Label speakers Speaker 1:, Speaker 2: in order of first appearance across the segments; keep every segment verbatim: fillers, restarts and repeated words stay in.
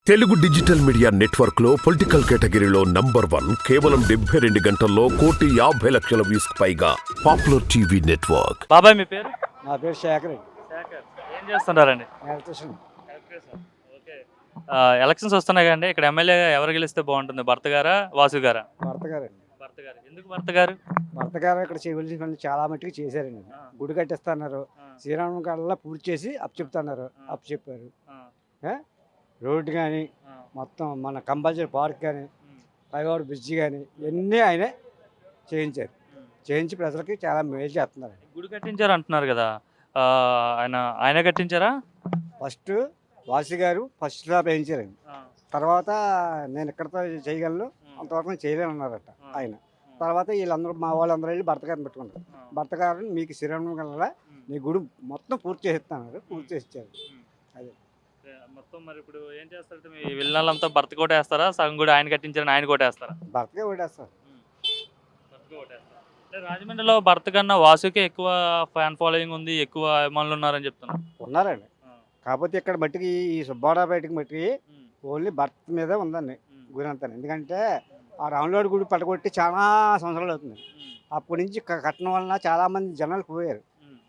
Speaker 1: Telugu digital media network లో political కేటగిరీలో number one కేవలం డెబ్బై రెండు గంటల్లో కోటి యాభై లక్షల వ్యూస్ పైగా పాపులర్ టీవీ నెట్వర్క్.
Speaker 2: బాబాయ్ మీ పేరు?
Speaker 3: నా పేరు శేఖర్.
Speaker 2: శేఖర్ ఏం చేస్తుంటారండి?
Speaker 3: ఎలక్ట్రీషియన్.
Speaker 2: ఓకే. ఎలక్షన్స్ వస్తున్నాయి కదండి, ఇక్కడ ఎమ్మెల్యే ఎవరు గెలిస్తే బాగుంటుంది? భర్త గారా వాసు గారా?
Speaker 3: భర్త గారండి.
Speaker 2: భర్త గారు. ఎందుకు భర్త గారు?
Speaker 3: భర్త గారు ఇక్కడ చేయవలసిన పనులు చాలా మట్టుకు చేశారండి. గుడి కట్టిస్తున్నారు, శ్రీరామ కళ్ళ పూర్తి చేసి అప్పు చెప్తున్నారు, అప్పు చెప్పారు. రోడ్డు కానీ మొత్తం మన కంపల్సరీ పార్క్ కానీ పైవాడు బ్రిడ్జి కానీ ఇవన్నీ ఆయనే చేయించారు. చేయించి ప్రజలకి చాలా మేలు చేస్తున్నారు.
Speaker 2: గుడి కట్టించారు అంటున్నారు కదా, ఆ, ఆయన ఆయన కట్టించారా?
Speaker 3: ఫస్ట్ వాసి గారు ఫస్ట్ లా వేయించారండి. తర్వాత నేను ఎక్కడితో చేయగలను, అంతవరకు నేను చేయలేను అన్నారట ఆయన. తర్వాత వీళ్ళందరూ మా వాళ్ళందరూ వెళ్ళి భర్త గారిని పెట్టుకున్నారు. భర్త గారిని మీకు శ్రీరామ కళ్ళ మీ గుడి మొత్తం పూర్తి చేస్తున్నారు, పూర్తి చేసి ఇచ్చారు. అదే
Speaker 2: మొత్తం. మరి ఇప్పుడు ఏం చేస్తారు? మీ విల్లాలంతా భర్త కొట్టేస్తారా? సగం కూడా ఆయన కట్టించారని ఆయన కొట్టేస్తారా?
Speaker 3: భర్తకే ఓటేస్తారు.
Speaker 2: రాజమండ్రిలో భర్త కన్నా వాసుకే ఎక్కువ ఫ్యాన్ ఫాలోయింగ్ ఉంది, ఎక్కువ అభిమానులు ఉన్నారని చెప్తున్నారు.
Speaker 3: ఉన్నారండి. కాకపోతే ఇక్కడ మట్టికి ఈ సుబ్బారావు బయటకి మట్టికి ఓన్లీ భర్త మీదే ఉందండి గురి అంతా. ఎందుకంటే ఆ రాములవాడి గుడి పట్టగొట్టి చాలా సంవత్సరాలు అవుతుంది. అప్పటి నుంచి కట్టడం వలన చాలామంది జనాలు పోయారు,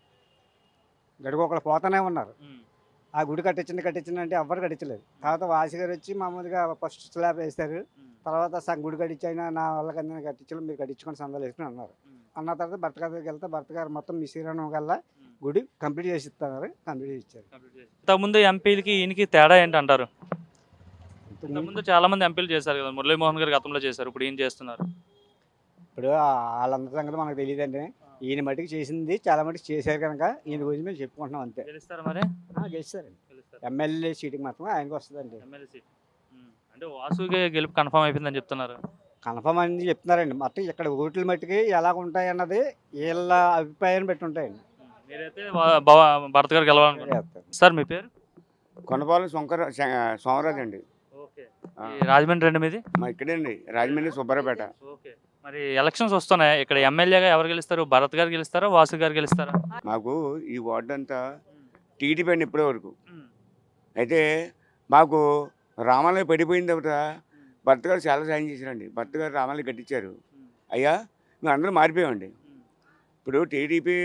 Speaker 3: గడికొకరు పోతానే ఉన్నారు. ఆ గుడి కట్టించింది కట్టించింది అంటే ఎవ్వరు కట్టించలేదు. తర్వాత వాసి గారు వచ్చి మామూలుగా ఫస్ట్ స్లాబ్ వేస్తారు. తర్వాత సగం గుడి కట్టించైనా నా వాళ్ళకి అందరినీ కట్టించడం మీరు కట్టించుకొని సందాలు వేసుకుని అన్నారు. అన్న తర్వాత భర్త గారి దగ్గరికి వెళ్తే భర్త గారు మొత్తం మీ శ్రీరామ కల్లా గుడి కంప్లీట్ చేసి ఇస్తున్నారు, కంప్లీట్ చేసి ఇచ్చారు.
Speaker 2: ఇంతకుముందు ఎంపీలకి ఈయనకి తేడా ఏంటి అంటారు? ఇంతకుముందు చాలా మంది ఎంపీలు చేశారు కదా, మురళీమోహన్ గారు గతంలో చేశారు, ఇప్పుడు ఏం చేస్తున్నారు?
Speaker 3: ఇప్పుడు వాళ్ళందరి సంగతి మనకు తెలియదండి. ఈయన మటుకు చేసింది చాలా మటుకు చేశారు కనుక ఈయన గురించి మేము చెప్పుకుంటున్నాం అంతే.
Speaker 2: గెలుస్తారా మరి?
Speaker 3: గెలుస్తారండి. ఎమ్మెల్యే సీటుకి మాత్రం ఆయనకు వస్తుందండి.
Speaker 2: ఎమ్మెల్యే సీట్ అంటే వాసుకి గెలుపు కన్ఫర్మ్ అయిపోయిందని చెప్తున్నారు.
Speaker 3: కన్ఫర్మ్ అని చెప్తున్నారండి. మొత్తం ఇక్కడ ఓట్ల మట్టుకి ఎలా ఉంటాయి అన్నది వీళ్ళ అభిప్రాయాన్ని బట్టి ఉంటాయండి.
Speaker 2: మీరైతే భర్త గారు గెలవాలనుకుంటున్నారు. సార్ మీ పేరు?
Speaker 4: కొండపాలెం శంకర సోమరాజు అండి.
Speaker 2: ఓకే. రాజమండ్రి అండి మీది?
Speaker 4: మా ఇక్కడే అండి, రాజమండ్రి సుబ్బారావుపేట.
Speaker 2: ఓకే. మరి ఎలక్షన్స్ వస్తున్నాయి, ఇక్కడ ఎమ్మెల్యేగా ఎవరు గెలుస్తారు? భరత్ గారు గెలుస్తారా, వాసు గారు గెలుస్తారా?
Speaker 4: మాకు ఈ వార్డు అంతా టీడీపీ అండి ఇప్పటి వరకు. అయితే మాకు రామాలయం పడిపోయిన తర్వాత భర్త గారు చాలా సాయం చేశారండి. భర్త గారు రామాలయం కట్టించారు. అయ్యా మేము అందరూ మారిపోయామండి. ఇప్పుడు టీడీపీ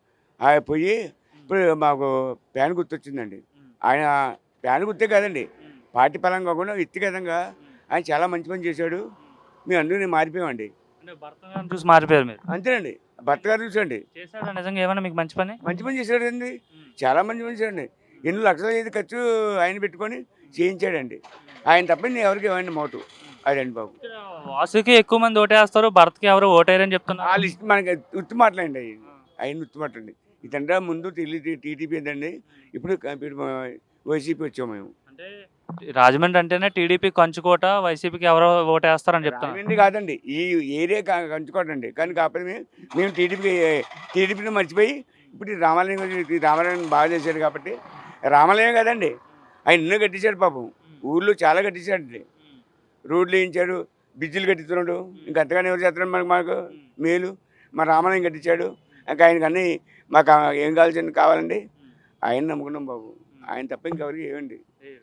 Speaker 4: పోయి ఇప్పుడు మాకు ప్యాన్ గుర్తొచ్చిందండి. ఆయన ప్యాన్ గుర్తే కాదండి, పార్టీ పరంగా కాకుండా వ్యక్తిగతంగా ఆయన చాలా మంచి పని చేశాడు. మేము అందరూ మారిపోయామండి.
Speaker 2: భర్త గారిని చూసి మారిపోయారు మీరు?
Speaker 4: అంతేనండి, భర్త గారు చూసండి.
Speaker 2: చేశాడు నిజంగా ఏమన్నా మీకు మంచి పని?
Speaker 4: మంచి పని చేశాడండి, చాలా మంచి పని చేశాడండి. ఎన్ని లక్షల ఐదు ఖర్చు ఆయన పెట్టుకొని చేయించాడండి. ఆయన తప్ప నేను ఎవరికి ఇవ్వండి మోటు అదండి బాబు.
Speaker 2: వాసుకి ఎక్కువ మంది ఓటేస్తారు, భర్తకి ఎవరు ఓటేయరని చెప్తున్నారు.
Speaker 4: ఆ లిస్ట్ మనకి ఉత్తి మాటలండి, అవి ఆయన ఉత్తి మాటలండి. ఇదంటే ముందు టీడీపీ ఏంటండి, ఇప్పుడు వైసీపీ వచ్చాము మేము.
Speaker 2: అంటే రాజమండ్రి అంటేనే టీడీపీ కంచుకోట, వైసీపీకి ఎవరో ఓటేస్తారని చెప్తాను.
Speaker 4: రాజమండ్రి కాదండి, ఈ ఏరియా కంచుకోట అండి. కానీ కాకపోతే మేము మేము టీడీపీ టీడీపీని మర్చిపోయి ఇప్పుడు రామాలయం రామాలయం బాగా చేశాడు కాబట్టి. రామాలయం కాదండి, ఆయన ఎన్నో కట్టించాడు పాపం, ఊళ్ళో చాలా కట్టించాడండి. రోడ్లు వేయించాడు, బ్రిడ్జిలు కట్టిస్తున్నాడు. ఇంకా అంతగానే ఎవరు చేస్తున్నాడు మనకు మాకు మేలు. మా రామాలయం కట్టించాడు. ఇంకా ఆయనకు అన్నీ మాకు ఏం కావాల్సింది కావాలండి, ఆయన నమ్ముకున్నాం బాబు. ఆయన తప్ప ఇంకెవరికి ఏమండి.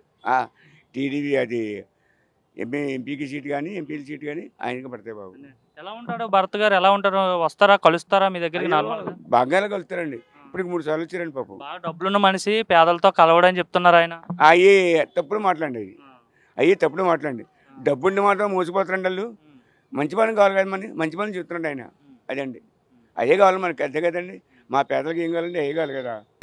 Speaker 4: టీడీపీ అది ఎంపీ ఎంపీకి సీట్ కానీ ఎంపీల సీట్ కానీ ఆయనకి పడతాయి బాబు.
Speaker 2: ఎలా ఉంటాడు భర్త గారు? ఎలా ఉంటారు? వస్తారా, కలుస్తారా మీ దగ్గరికి?
Speaker 4: బాగా కలుస్తారండి. ఇప్పుడు మూడు సార్లు వచ్చారండి పాపం.
Speaker 2: బాగా డబ్బులున్న మనిషి, పేదలతో కలవడని చెప్తున్నారు ఆయన.
Speaker 4: అయ్యి తప్పుడు మాట్లాడండి, అవి అయ్యి తప్పుడు మాట్లాడండి. డబ్బుండి మాత్రం మోసిపోతారండి వాళ్ళు. మంచి పని కావాలి కదా, మన మంచి పని చెప్తున్నాడు ఆయన. అదండి, అయ్యే కావాలి మనకి. అంతే కదండి, మా పేదలకు ఏం కావాలండి, అయ్యే కావాలి కదా.